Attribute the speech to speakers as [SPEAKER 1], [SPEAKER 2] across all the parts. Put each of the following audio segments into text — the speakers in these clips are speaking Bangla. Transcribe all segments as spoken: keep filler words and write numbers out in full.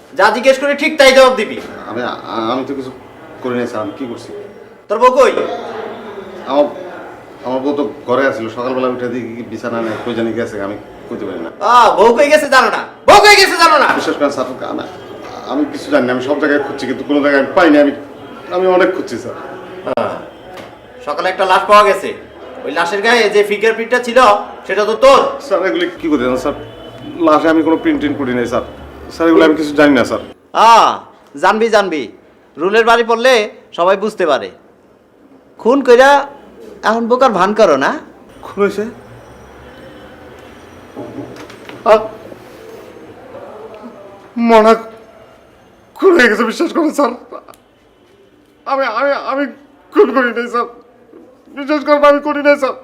[SPEAKER 1] যা জিজ্ঞেস করি ঠিক তাই জবাব দিবি।
[SPEAKER 2] আমি আমি তো কিছু করি নাই স্যার, আমি কি করছি?
[SPEAKER 1] তোর বউ কই?
[SPEAKER 2] আমার আমার বউ তো ঘরে আসছিল, সকালবেলা উঠে দেখি কি বিছানা নেই, কই জানি গেছে, আমি কইতে পারি না।
[SPEAKER 1] আ বউ কই গেছে জানো না? বউ কই গেছে জানো না?
[SPEAKER 2] বিশেষ করে স্যার আমি আমি কিছু জানি না, আমি সব জায়গায় খুঁজছি কিন্তু কোনো জায়গায় আমি পাইনি। আমি আমি অনেক খুঁজছি স্যার।
[SPEAKER 1] সকালে একটা লাশ পাওয়া গেছে, ওই লাশের গায়ে যে ফিঙ্গার প্রিন্টটা ছিল সেটা তো তোর।
[SPEAKER 2] স্যার এগুলি কি করতে জানেন স্যার? লাশে আমি কোনো প্রিন্ট টিন করি নাই স্যার। স্যার এগুলো আমি কিছু জানি না স্যার।
[SPEAKER 1] আ জানবি জানবি, রুলের বাড়ি পড়লে সবাই বুঝতে পারে। খুন কইরা এখন বোকার ভান করো না?
[SPEAKER 2] খুন হয়েছে? মনে খুন হয়ে গেছে, বিশ্বাস করেন স্যার। আমি আমি আমি খুন করি নাই স্যার, বিশ্বাস করেন আমি করি নাই স্যার,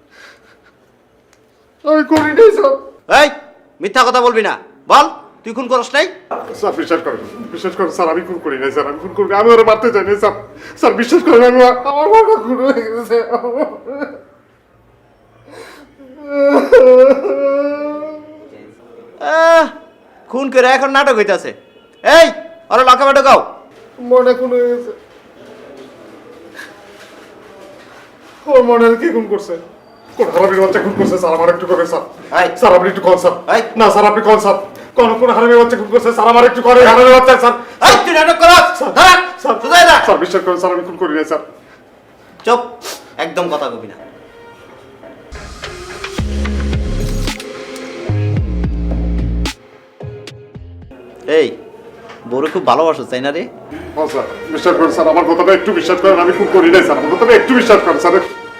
[SPEAKER 2] আমি করি নাই স্যার।
[SPEAKER 1] এই মিথ্যা কথা বলবি না, বল তুই খুন করস নাই?
[SPEAKER 2] স্যার বিশ্বাস করেন, বিশ্বাস করেন স্যার, আমি খুন করি নাই স্যার, আমি খুন করি আমি ওরা মারতে চাই না স্যার। স্যার বিশ্বাস করেন, আমি আমার বাবা খুন হয়ে গেছে।
[SPEAKER 1] আহ, খুন করে এখন নাটক হইতাছে। এই ওরা লকাপে ঢোকাও।
[SPEAKER 2] মনে খুন হয়ে গেছে। ওর মনে কি খুন করছে? কোন হারামির বাচ্চা খুন করছে স্যার? আমার একটু করে স্যার।
[SPEAKER 1] এই
[SPEAKER 2] স্যার আপনি একটু কোন স্যার?
[SPEAKER 1] এই
[SPEAKER 2] না স্যার আপনি কোন স্যার? কোন কোন হারামির বাচ্চা খুন করছে স্যার? আমার একটু করে হারামির বাচ্চা স্যার।
[SPEAKER 1] এই তুই নাটক করস? দাঁড়া
[SPEAKER 2] স্যার
[SPEAKER 1] সোজা যা।
[SPEAKER 2] স্যার বিশ্বাস করেন স্যার, আমি খুন করি নাই স্যার।
[SPEAKER 1] চুপ, একদম কথা কবি না। এই বড় খুব ভালোবাসো তাই না রে?
[SPEAKER 2] হ্যাঁ স্যার বিশ্বাস করেন স্যার, আমার কথাটা একটু বিশ্বাস করেন, আমি খুন করি নাই স্যার, আমার কথাটা একটু বিশ্বাস করেন স্যার।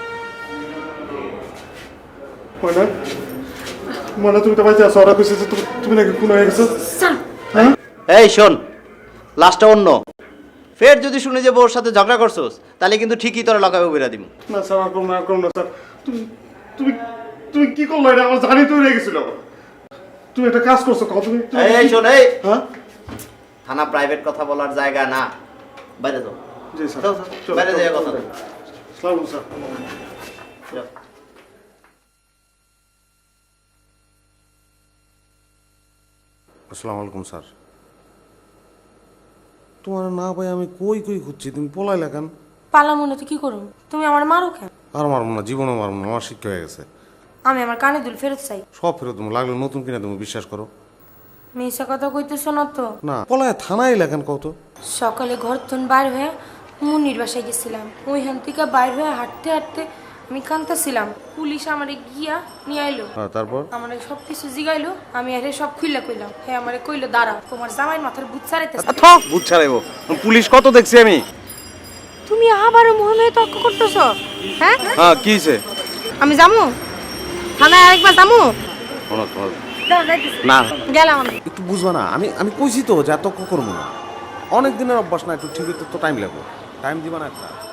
[SPEAKER 2] মনে মনে তুমি তো ভাই আছো, ওরা কইছে যে তুমি- তুমি নাকি খুন হয়ে গেছো।
[SPEAKER 1] এই শোন, লাস্টটা অন্য। ফের যদি শুনে যে বউর সাথে ঝগড়া করছোস তাহলে কিন্তু ঠিকই তোরা লকাপে বেরা দিব।
[SPEAKER 2] না স্যার আর করুন না, আর করুন না স্যার। তুমি তুমি তুমি কি করলো? এটা আমার জানি তৈরি হয়ে গেছিল। তুমি একটা কাজ করছো, কত তুমি তুমি-
[SPEAKER 1] এই এই শোন, এই
[SPEAKER 2] হ্যাঁ
[SPEAKER 1] থানা প্রাইভেট কথা বলার জায়গা না, বাইরে যাও।
[SPEAKER 2] জি স্যার,
[SPEAKER 1] যাও, যাও,
[SPEAKER 2] চলো,
[SPEAKER 1] বাইরে
[SPEAKER 2] চলো,
[SPEAKER 1] যেয়ে কথা
[SPEAKER 2] চলো।
[SPEAKER 1] বলো।
[SPEAKER 2] আসসালামু আলাইকুম স্যার।
[SPEAKER 1] যাও।
[SPEAKER 2] আসসালামু আলাইকুম স্যার। তোমার না ভাই আমি কই কই খুঁজছি, তুমি পলাই লাগান।
[SPEAKER 3] পালা মনে তো কি করুন, তুমি আমার মারো কেন?
[SPEAKER 2] আর মারবো না, জীবনে মারবো না, আমার শিক্ষা হয়ে গেছে।
[SPEAKER 3] আমি আমার কানে দুল ফেরত চাই।
[SPEAKER 2] সব ফেরত তুমি লাগলে নতুন কিনা তুমি বিশ্বাস করো।
[SPEAKER 3] মেয়েসা কথা কইতেছো না তো?
[SPEAKER 2] না পলায় থানায় লেখান কত।
[SPEAKER 3] সকালে ঘর থেকে বাইর হয়ে মুন্নির বাসায় গেছিলাম, ওইখান থেকে বাইর হয়ে হাঁটতে হাঁটতে আমি কাঁদতেছিলাম, পুলিশ আমারে গিয়া নিয়ে আইলো।
[SPEAKER 2] হ্যাঁ তারপর?
[SPEAKER 3] আমারে সব কিছু জিগাইলো, আমি আরে সব খুইলা কইলাম। হ্যাঁ আমারে কইলো দাঁড়া, তোমার জামাইয়ের মাথার বুট ছাড়াইতেছে।
[SPEAKER 1] বুঝ ছাড়াইবো, পুলিশ কত দেখছি আমি।
[SPEAKER 3] তুমি আবারও মনে হয় তর্ক করতেছো? হ্যাঁ
[SPEAKER 1] হ্যাঁ কি হইছে?
[SPEAKER 3] আমি যামু থানায়, আরেকবার যামু
[SPEAKER 2] না
[SPEAKER 3] গেলাম আমি।
[SPEAKER 2] একটু বুঝবা না, আমি আমি কইছি তো যে এত করবো না, অনেক দিনের অভ্যাস না, একটু ঠিক তো টাইম লাগবে, টাইম দিবা না একটা।